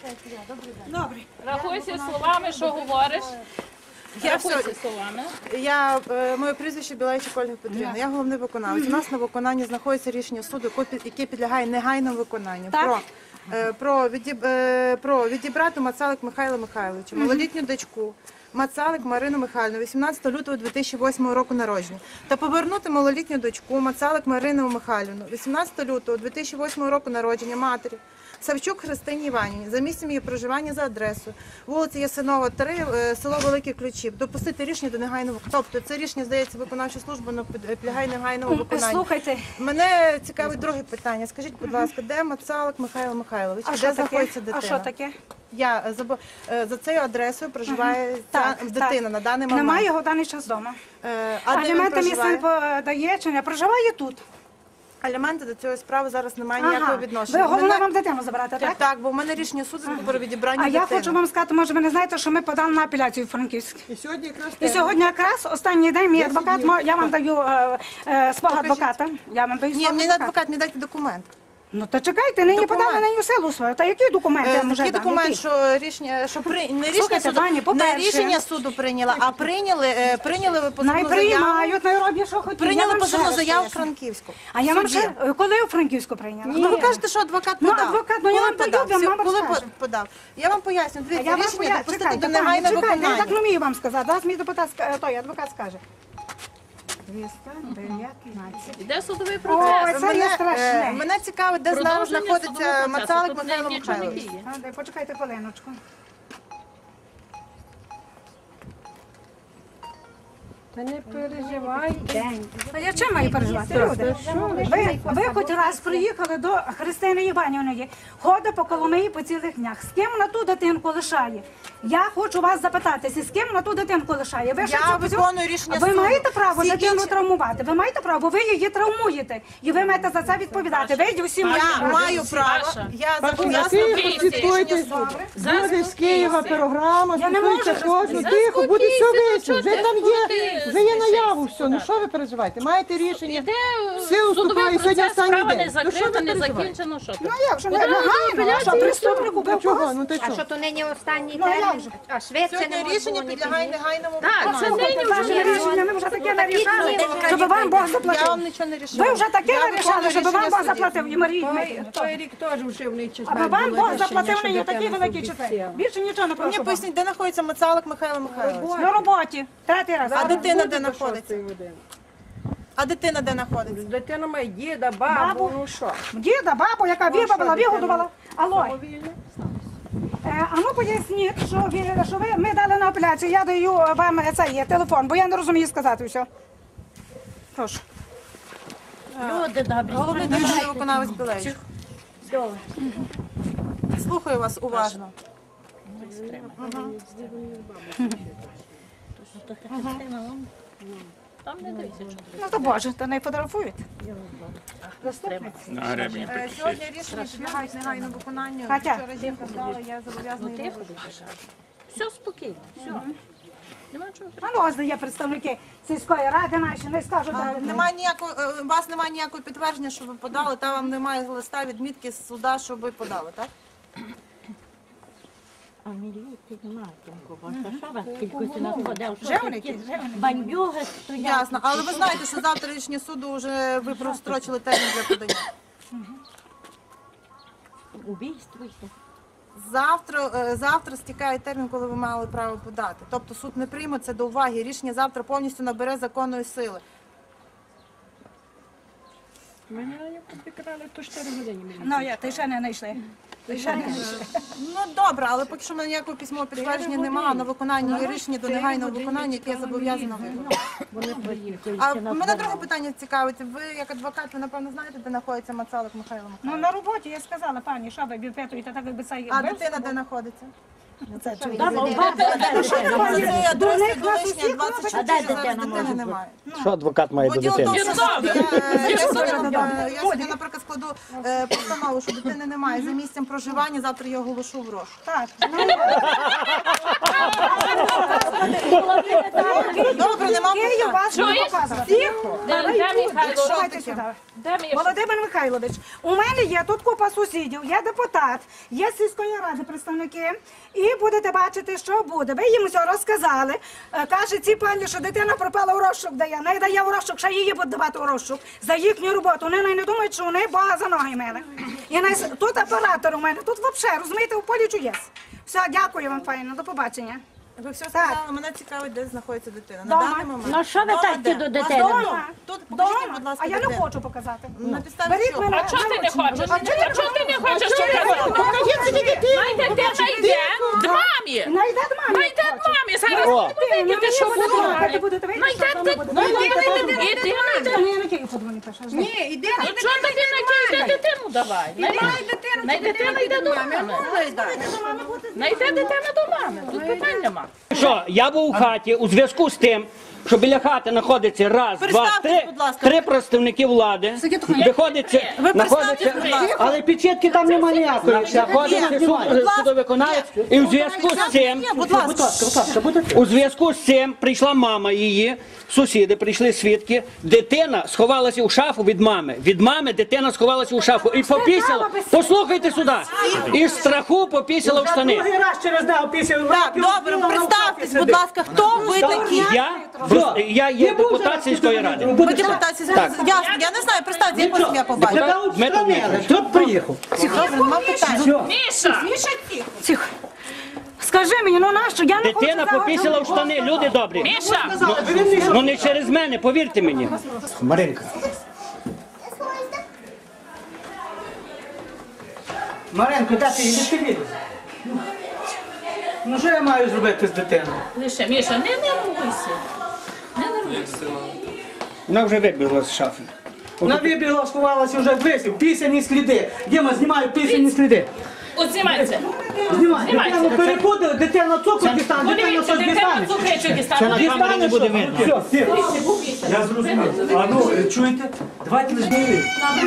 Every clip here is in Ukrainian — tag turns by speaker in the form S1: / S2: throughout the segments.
S1: Добре.
S2: Рахуйся словами, що говориш. Рахуйся словами.
S3: Моє прізвище Білейчик Ольга Петрівна. Я головний виконавець. У нас на виконанні знаходиться рішення суду, яке підлягає негайному виконанню. Про відібрати Мацалик Михайла Михайловича, малолітню дочку Мацалик Марину Михайлівну, 18 лютого 2008 року народження, та повернути малолітню дочку Мацалик Марину Михайлівну, 18 лютого 2008 року народження матері Савчук Христині Іванівні, за місцем її проживання за адресою вулиця Ясинова, 3, село Великі Ключів. Допустити рішення до негайного. Тобто це рішення, здається, виконавча служба, але підлягає негайному виконанню.
S1: Слухайте.
S3: Мене цікавить друге питання. Скажіть, будь ласка, де Мацалик Михайло Михайлович? Де знаходиться дитина?
S1: А що таке?
S3: За цією адресою проживає дитина на даний момент.
S1: Немає його в даний час вдома.
S3: Аліменти
S1: мій син подає чи не проживає тут?
S3: Аліменти до цієї справи зараз немає ніякого відношення.
S1: Ви головне вам дитину забирати, так?
S3: Так, бо в мене рішення суду про відібрання
S1: дитини. А
S3: дитини.
S1: я хочу вам сказати, може ви не знаєте, що ми подали на апеляцію в Франківськ.
S4: І
S1: сьогодні якраз останній день мій адвокат, я вам даю свого адвоката.
S3: Ні, мені не адвокат, мені дайте документ.
S1: Ну то чекайте, нині подали на нього силу свою. Та які документи я можу
S3: дати?
S1: дати?
S3: Документ, що рішення, не рішення суду прийняла, а прийняли ви позовну заяву.
S1: Приймають, роблять, що хотіли.
S3: Прийняли позовну заяву в Франківську.
S1: А я вам ще, коли у Франківську прийняли?
S3: Ну ви кажете, що адвокат подав.
S1: Ну адвокат, я вам даю,
S3: коли подав? Я вам поясню, дивіться, рішення допустити до негайного виконання.
S1: Я так не вмію вам сказати, зараз мій адвокат скаже. 219.
S2: Іде судовий процес.
S3: Мене цікавить, де зараз знаходиться Мацалик Михайло Михайлович.
S1: Почекайте хвилиночку.
S4: Та не переживайте.
S1: А я чим маю переживати, люди? Ви хоч раз приїхали до Христини Іванівної, ходить по Коломиї по цілих днях. З ким на ту дитинку лишає? Я хочу вас запитатися, з ким на ту дитинку лишає?
S3: Я виконую рішення суду.
S1: Ви маєте право дитину травмувати? Ви маєте право, ви її травмуєте. І ви маєте за це відповідати. Ви всі
S3: Я маю право. Я зобов'язана
S4: Слідкуйте. Буде з Києва програма, слідкуйте кожну. Тихо, буде все вийшло. Вже там є. Вже є наяву все, ну що ви переживаєте? Маєте рішення, силу вступає, сьогодні останній день.
S2: Справа не закрита, не закінчено, що
S1: Ну як же, негайно, що преступник убив когось?
S4: Ну ти
S5: А
S4: що?
S5: що то нині останній термін? А швидше не
S3: Сьогодні
S5: можна
S3: рішення
S5: було не
S3: підлягає негайному
S2: Так, це
S3: виконанню.
S2: нині
S1: Ваше
S2: вже
S1: рішення, ми вже таке нарішали, щоб вам Бог
S3: Я
S1: заплатив.
S3: вам нічого не рішила.
S1: Ви вже таке нарішали, щоб вам Бог заплатив. І Марій,
S4: Той рік теж вшивний четвер.
S1: аби вам Бог заплатив мені такий великий четвер. Більше нічого не
S3: Мені
S1: прошу.
S3: поясніть, де знаходиться Мацалик Михайло Михайлович?
S1: На роботі. Третій раз.
S3: А дитина де знаходиться? А дитина де знаходиться?
S4: Дитина має діда, бабу, ну що?
S1: Діда, бабу, яка вибавила, вигодувала. Алло. А ну поясніть, що ми дали на апеляцію, я даю вам цей телефон, бо я не розумію сказати все. Прошу.
S2: люди добрі.
S3: Головний державний виконавець Білейчик. Слухаю вас уважно.
S2: Там не дивіться, що
S1: Ну то Боже, то не фотографують.
S3: Сьогодні рішення підлягають негайному виконанню.
S1: Катя.
S3: Вчора жінка здала, я зобов'язана її
S2: тихо. Все спокійно, все. Нема чого.
S1: А ну ось є представники сільської ради наші, не скажуть.
S3: У вас немає ніякого підтвердження, що ви подали, та вам немає листа відмітки з суда, що ви подали, так?
S6: А міліції немає такого. Що вас кількості надходив?
S1: Вже вони ті?
S6: Бандюги стоять.
S3: Ясно. Але ви знаєте, що завтра рішення суду вже ви прострочили термін для подання.
S6: Убійство.
S3: Завтра стікає термін, коли ви мали право подати. Тобто суд не прийме це до уваги. Рішення завтра повністю набере законної сили.
S4: Мене підкрали, то 4 години.
S1: Ну, ти ще не знайшли.
S3: Ну добре, але поки що в мене ніякого письмового підтвердження немає. На виконання є рішення до негайного виконання, яке я зобов'язана виконати. А мене друге питання цікавить. Ви як адвокат, ви напевно знаєте, де знаходиться Мацалик Михайло
S1: Ну
S3: Михайлович?
S1: на роботі я сказала, пані, що ви бюпетуєте, так якби це
S3: А дитина де знаходиться?
S1: це чудо.
S3: Це адреса Долишня,
S6: А де
S3: 24, зараз
S6: дитина
S3: дитини
S6: може
S3: немає.
S7: Що адвокат має до дитини?
S3: Я сьогодні, наприклад, складу постанову, що дитини немає за місцем проживання, завтра я оголошу в розшук.
S1: Так.
S3: Добре, нема
S1: Київ
S3: питань.
S1: вас буде показувати. Тихо.
S2: Де Михайло?
S1: Давайте сюди.
S2: Де Міша?
S1: Володимир Михайлович, у мене є тут купа сусідів, є депутат, є з сільської ради представники, і будете бачити, що буде. Ви їм все розказали. Каже ці пані, що дитина пропала у розшук дає. Не дає у розшук, ще її будуть давати у розшук за їхню роботу. Вони не думають, що вони Бога за ноги мили. І тут оператор у мене, тут взагалі, розумієте, у полі чудес. Все, дякую вам, файно, до побачення.
S3: Ви все сказали, мене цікавить, де знаходиться дитина. На
S1: Дома.
S3: даний момент.
S6: Ну що ви
S3: Дома
S6: так
S3: де?
S6: до
S3: Вас
S6: дитини?
S3: дома? Тут покажіть, будь
S1: Дома,
S3: ласка,
S1: а я не
S3: дитину.
S1: хочу показати.
S3: На підставі
S1: Беріть
S3: чого?
S1: мене.
S2: А чого ти не хочеш?
S1: А чого
S2: А чого ти не хочеш? Що ти хочеш? Найде дитина йде до мамі.
S1: Найде до мамі.
S2: Найде до мамі. Зараз
S7: О.
S2: ви видите, що буде.
S1: будете видіти,
S2: Найде
S1: що вона буде.
S2: дитину. Іди найде.
S1: Я на Київ подзвоню перше.
S3: Ні, іди.
S2: Ну чого тобі найде дитину давай? Найде дитина йде до мами. Найде дитина до мами. Тут питань нема.
S7: Що, я був у хаті у зв'язку з тим, що біля хати знаходиться раз, два,
S3: Представтесь,
S7: три,
S3: будь ласка.
S7: три представники влади. Виходиться, знаходиться,
S3: будь ласка.
S7: але печетки там немає ніякої. Знаходиться судовиконавець, і в зв'язку з цим,
S3: Будь ласка.
S7: у зв'язку з цим прийшла мама її, сусіди прийшли свідки, дитина сховалася у шафу від мами. Від мами дитина сховалася у шафу і попісила, послухайте сюди, із страху попісила в штани.
S4: раз через день після
S3: Так, добре, представтесь, будь ласка, хто ви такі?
S7: Я є депутат сільської ради.
S3: Ви депутатці, я не знаю, представте, я просто я побачу.
S7: Дмитро Дмитрович.
S4: Тут приїхав.
S3: Добре, нема питань.
S2: Міша!
S1: Скажи мені, ну нащо? Я не хочу
S7: Дитина попісила в штани, люди добрі.
S2: Міша!
S7: Ну не через мене, повірте мені.
S4: Маринка. Маринко, де ти їдеш? Ти їдеш? Ну що я маю зробити з дитиною?
S2: Лише, Міша, не нервуйся. Не нервуйся.
S7: Вона вже вибігла з шафи.
S4: Вона вибігла, сховалася вже висів, пісяні сліди. Діма, знімаю пісяні сліди.
S2: От знімайся.
S4: Знімай, дитину перепутали, дитина цукор дістане, дитина
S2: Подивіться,
S4: щось
S2: дитина
S4: дістане.
S2: цукричок дістане.
S7: камері не буде видно.
S4: Все, я зрозумів. А ну, чуєте? Давайте лиш мені.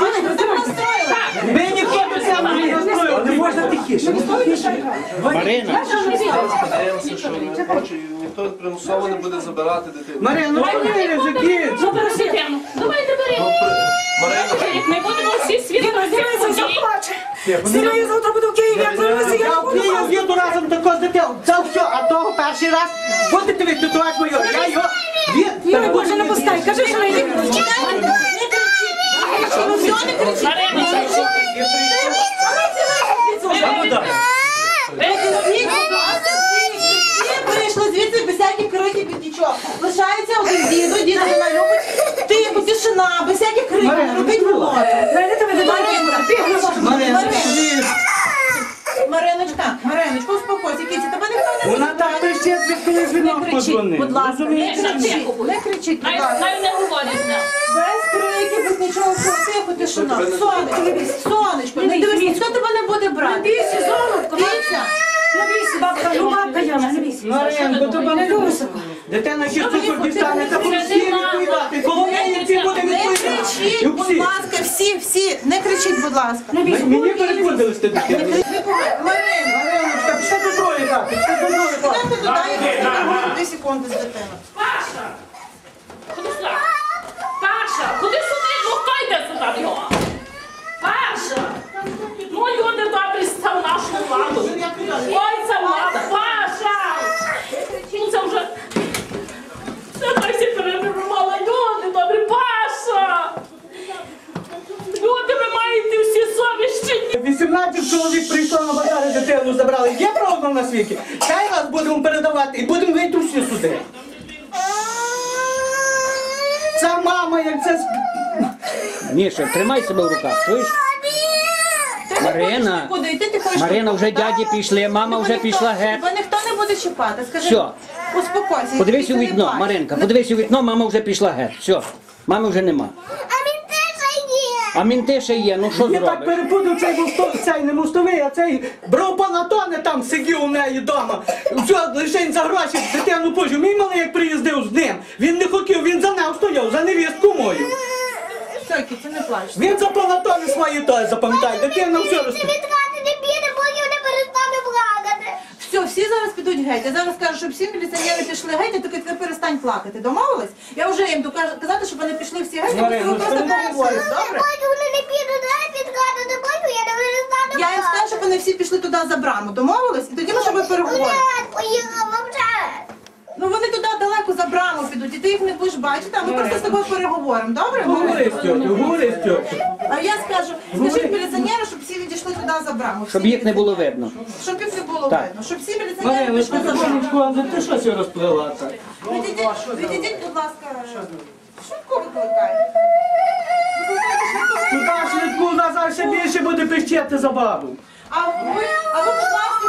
S4: Ви ніхто не сам не настроїв, не можна тихіше.
S7: Марина,
S8: Сподіваємося, що не хоче, ніхто примусово не буде забирати дитину.
S4: Марина, ну чому не закінчиш?
S2: Ну, беру дитину. Давайте бери.
S8: Марина,
S2: Ми будемо всі свідки
S1: Дивися,
S2: всіх
S1: все
S2: подій.
S1: плаче. Сина, я завтра буду в Києві, я привезу, я
S4: Я в Київ їду разом тако з дитиною. Це все, а того перший раз будете відтутувати мою. Я його
S1: Юрій, Боже, не пускай, кажи, що не їду.
S2: Марина,
S3: Вийшли звідси без всяких криків, без нічого. Лишається один діду, діду вона любить. Тихо, тишина, без всяких криків, не робіть роботу. Мариночка, успокойся, кіці, тебе ніхто не
S4: Вона так кричить, від коли жінок подзвонив.
S3: будь ласка, не
S2: Міша,
S3: кричіть,
S2: тихо будь.
S3: не кричіть, будь ласка.
S2: Навіть не говорить з ним.
S3: Без криків, без нічого, тихо, тишина. Сонечко, не дивись, ніхто тебе не буде брати. Бійся, золотко, бійся.
S1: Бабка, ну бабка, я не бійся.
S4: Маринко, то вам дитина ще цукор дістане, та будуть всі відповідати. Коло неї всі буде
S3: Не
S4: відповідати.
S3: кричіть,
S4: І
S3: будь
S4: всі.
S3: ласка, всі, не кричіть, будь ласка.
S4: Мені перепутали з дитиною.
S3: Мариночка,
S4: Пішли до другої хати, пішли до другої хати.
S3: ти туди, я буду 2 секунди з дитиною.
S2: Паша! Ходи сюди. Паша, ходи сюди, ну хто йде сюди його? Паша! Ну люди добрі став нашу владу. Ой, ця влада, Паша! Ну це вже... Це так всі перебувала, люди добрі, Паша! Люди, ви маєте всі совіщі.
S4: 18 чоловік прийшло на базари, дитину забрали. Є правда на світі? Хай раз будемо передавати і будемо вийти всі сюди. Це мама, як це...
S7: Міша, тримай себе в руках, чуєш? Марина,
S3: Куди йти, ти хочеш?
S7: Марина, вже дяді пішли, мама вже пішла геть.
S3: Тебе ніхто не буде чіпати, скажи.
S7: Все.
S3: Успокойся.
S7: Подивись
S3: ти
S7: у
S3: не
S7: вікно,
S3: плач.
S7: Маринка, подивись у вікно, мама вже пішла геть. Все, мами вже нема. А мінти ще є, ну що
S4: Я так
S7: зробиш?
S4: перепутав цей не мостовий, а цей бровпанатоне там сидів у неї вдома. Все, лише за гроші дитину пожив. Мій малий як приїздив з ним. Він не хотів, він за нею стояв, за невістку мою.
S3: Йойки, це не плач.
S9: Він запам'ятав свої той, запам'ятай, дитина все розповідає.
S5: Відкати не піде, поки не перестане плакати.
S3: Все, всі зараз підуть геть. Я зараз кажу, щоб всі міліціонери пішли геть, а тільки ти перестань плакати. Домовились? Я вже їм буду казати, щоб вони пішли всі геть, а
S9: Марина,
S3: ви просто
S9: ну,
S3: поговорите, добре?
S5: Поки вони не підуть, відкати не поки я не перестану
S3: Я їм скажу, щоб вони всі пішли туди за браму. Домовились? І тоді ми щоб переговоримо.
S5: Поїхав вовчать.
S3: Ну вони туди далеко за браму підуть, і ти їх не будеш бачити, а ми просто з тобою переговоримо, добре?
S9: Говори, Стьотю, говори, Стьотю.
S3: А я скажу, скажіть міліціонеру, щоб всі відійшли туди за браму.
S7: Щоб
S3: Всі
S7: їх не було видно.
S3: Щоб їх не було
S7: Так.
S3: видно. Щоб всі міліціонери
S9: Марина,
S3: пішли за браму.
S9: секундочку, а ти що сьогодні розплила?
S3: Відійдіть, будь ласка, швидко викликайте.
S9: Туди швидку, у нас зараз ще більше буде пищати за бабу.
S3: А ви, будь ласка,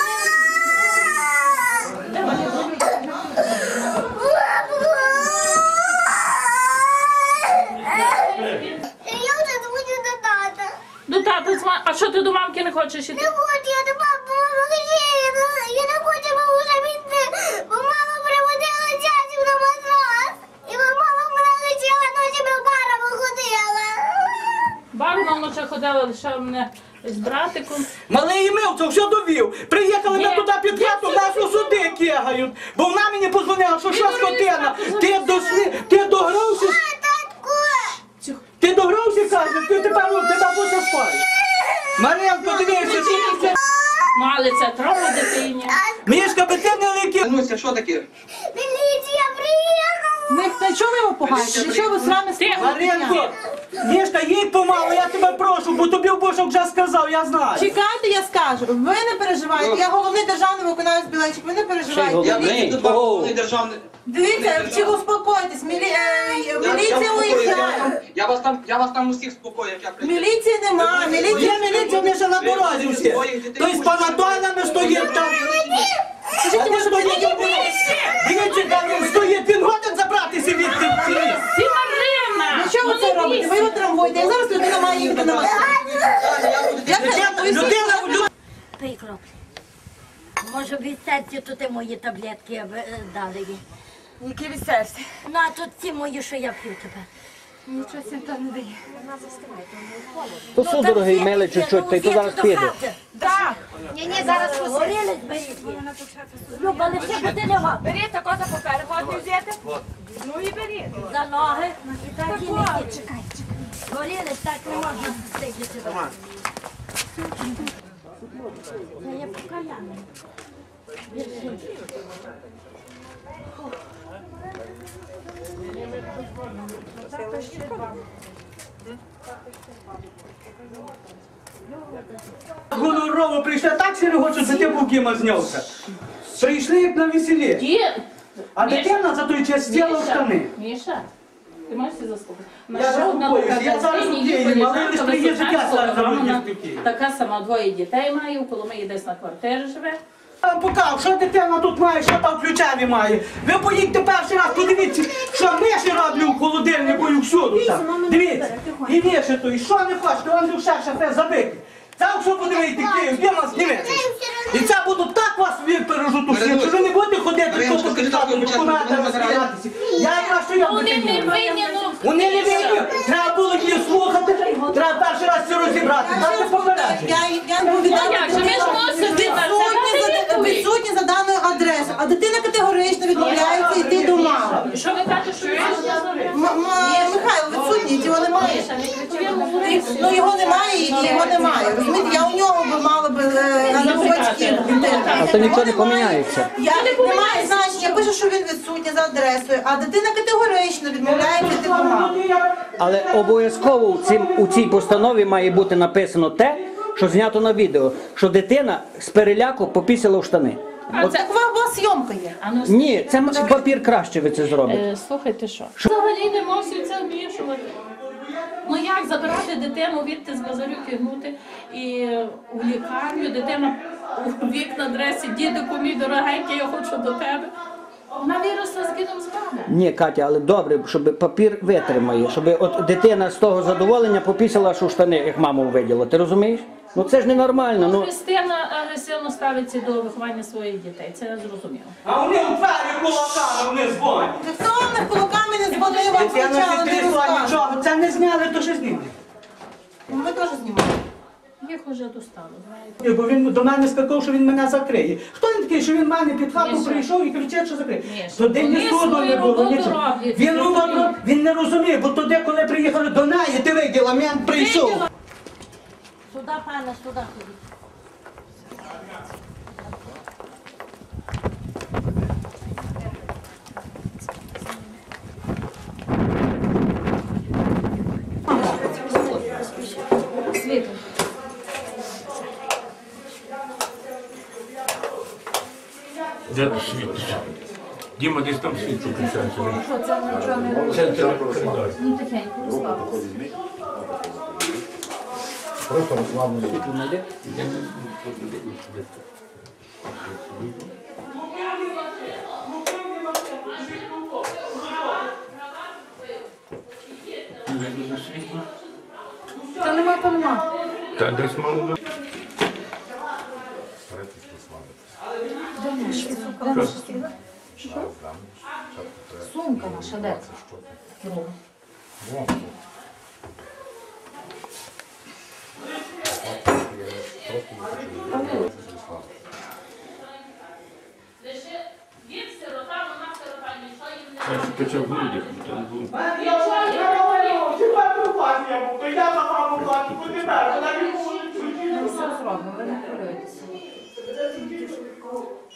S5: Я вже дзвоню до тата.
S2: До тата дзвони. А що ти до мамки не хочеш іти?
S5: Не хочу, я до мами я не хочу вже йти, бо мама приводила дядю на матрас. І мама мене лечила, ночами в барами ходила.
S2: Барна вночі ходила, лише мене з братиком.
S9: Малий Ємилко все довів. Приїхали ми
S2: Ні,
S9: туди під хату, нас у суди кигають. Бо вона мені позвонила, що що скотина, ти догрався, ти догрався, каже, ти тепер будеш спати. Мар'янко, дивися, тут все.
S2: Ну, але це трохи дитині.
S9: Мішка, би ти не лики.
S10: Нуся, що таке?
S5: Міліція приїхала.
S3: не чого ви його пугаєте? Для чого ви з нами
S9: Мар'янко, Мішка, їдь помалу, я тебе прошу, бо тобі в Бошок вже сказав, я знаю.
S3: Чекайте, я скажу. Ви не переживайте. Я головний державний виконавець Білечик. Ви не переживайте.
S10: Я прийду до вас, державний.
S3: Дивіться, чи успокойтесь. Міліція уїжджає.
S10: Я вас там усіх спокою, як я прийду.
S3: Міліції нема.
S9: Є міліція, вони ще на дорозі всі. Той з панадолями стоїть там. Вони стоїть. Дивіться, там він стоїть, він годен забратися від цих.
S2: Ти Марина!
S3: Ну що ви це робите? Ви його травмуєте. Як зараз людина має їхати на машину?
S9: Людина,
S6: Пий кроплі. Може від серця тут і мої таблетки дали їй.
S3: Які від серця?
S6: Ну а тут ці мої, що я п'ю тепер.
S3: Нічого себе там не дає.
S7: То судороги мели чуть-чуть, та й то зараз піде.
S3: Так.
S5: Ні, зараз
S6: Горілись беріть. Люба, лише буде лягати.
S5: Беріть тако за папер, годні взяти. Ну і беріть.
S6: За ноги. І так і не йдіть. Чекай. Горілись, так не можна сидіти. Це я покаяна.
S9: Гонорово прийшли, так ще не хочуть, за тим букіма знявся. Прийшли як на весіллі.
S2: Ді...
S9: А дитина за той час стіла в штани.
S2: Міша, ти можеш це заслухати?
S9: Я заспокоюсь, я зараз у Києві, але лише приїжджу, я зараз
S2: вона
S9: в Києві.
S2: така сама, двоє дітей має, у Коломиї десь на квартирі живе.
S9: А покав, що дитина тут має, що там ключами має. Ви поїдьте перший раз, подивіться, що миші роблю в холодильнику і всюди там. Дивіться, і миші то, і що не хочете, вам душа шафе забити. Там що подивіться, Київ, де вас дивиться. І це буду так вас пережу ту всі, що ви не будете ходити тут по кишкам, документи розглядатися. Я якраз що я
S2: Вони не винні, ну...
S9: Вони не винні. Треба було їх слухати, треба перший раз все розібрати. Дайте попередження.
S3: Я повідомляю,
S2: Як же, ми ж мусимо відсутні
S3: відсутні за даною адресою, а дитина категорично відмовляється йти до мами.
S2: Що ви кажете, що ви
S3: Михайло відсутній, його немає. Ну його немає і його немає. Розумієте, я у нього би мала би на батьків.
S7: А то нічого не поміняється.
S3: Немає значення, пише, що він відсутній за адресою, а дитина категорично відмовляється йти до мами.
S7: Але обов'язково у цій постанові має бути написано те, що знято на відео, що дитина з переляку попісила в штани.
S3: Це у вас зйомка є.
S7: Ні, це папір краще ви це зробите.
S2: Слухайте, що? Взагалі не можуть це вмішувати. Ну як забирати дитину, відти з базарюки гнути і у лікарню, дитина у вікна дресі, дідику мій дорогенький, я хочу до тебе. Вона виросла з дідом з мамою.
S7: Ні, Катя, але добре, щоб папір витримає, щоб от дитина з того задоволення попісила, що штани, як маму виділа. Ти розумієш? Ну це ж ненормально. Ну.
S2: Христина агресивно ставиться до виховання своїх дітей, це я зрозуміло.
S9: А вони у двері кулаками, вони дзвонять.
S3: Хто вам кулаками не дзвонив, вам
S9: Дитина
S3: спочатку
S9: не
S3: не
S9: трясла
S3: розказує?
S9: нічого. Це не зняли, то що зняли.
S3: Ми теж знімаємо.
S2: Їх уже достало, знаєте.
S9: Бо він до мене скакав, що він мене закриє. Хто він такий, що він мене під хату
S2: Міша.
S9: прийшов і кричить, що закриє?
S2: Міша.
S9: Туди ні
S2: Вони
S9: суду
S2: свою
S9: не було,
S2: роботу
S9: нічого.
S2: роблять,
S9: Він,
S2: розумієш?
S9: він не розуміє, бо туди, коли приїхали до неї, ти виділа, мент прийшов.
S6: Сюди, пане, сюди ходіть.
S2: Світло.
S11: Де світ? Діма десь там світ включається.
S2: Що це нічого не робить?
S11: Це коридор.
S2: Ну тихенько, розслабитися.
S11: Просто розслаблено.
S2: Та нема, то нема.
S11: Та десь мало.
S2: Сумка наша, де? Друга.
S11: Я почав в грудях.
S9: Я за маму плачу, куди так? Вона не може
S2: Ми все зробимо, ви не хвилюйтеся.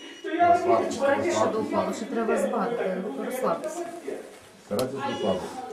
S2: Чекайте, що допало, що треба збати, розслабитися.
S11: Старайтесь розслабитися.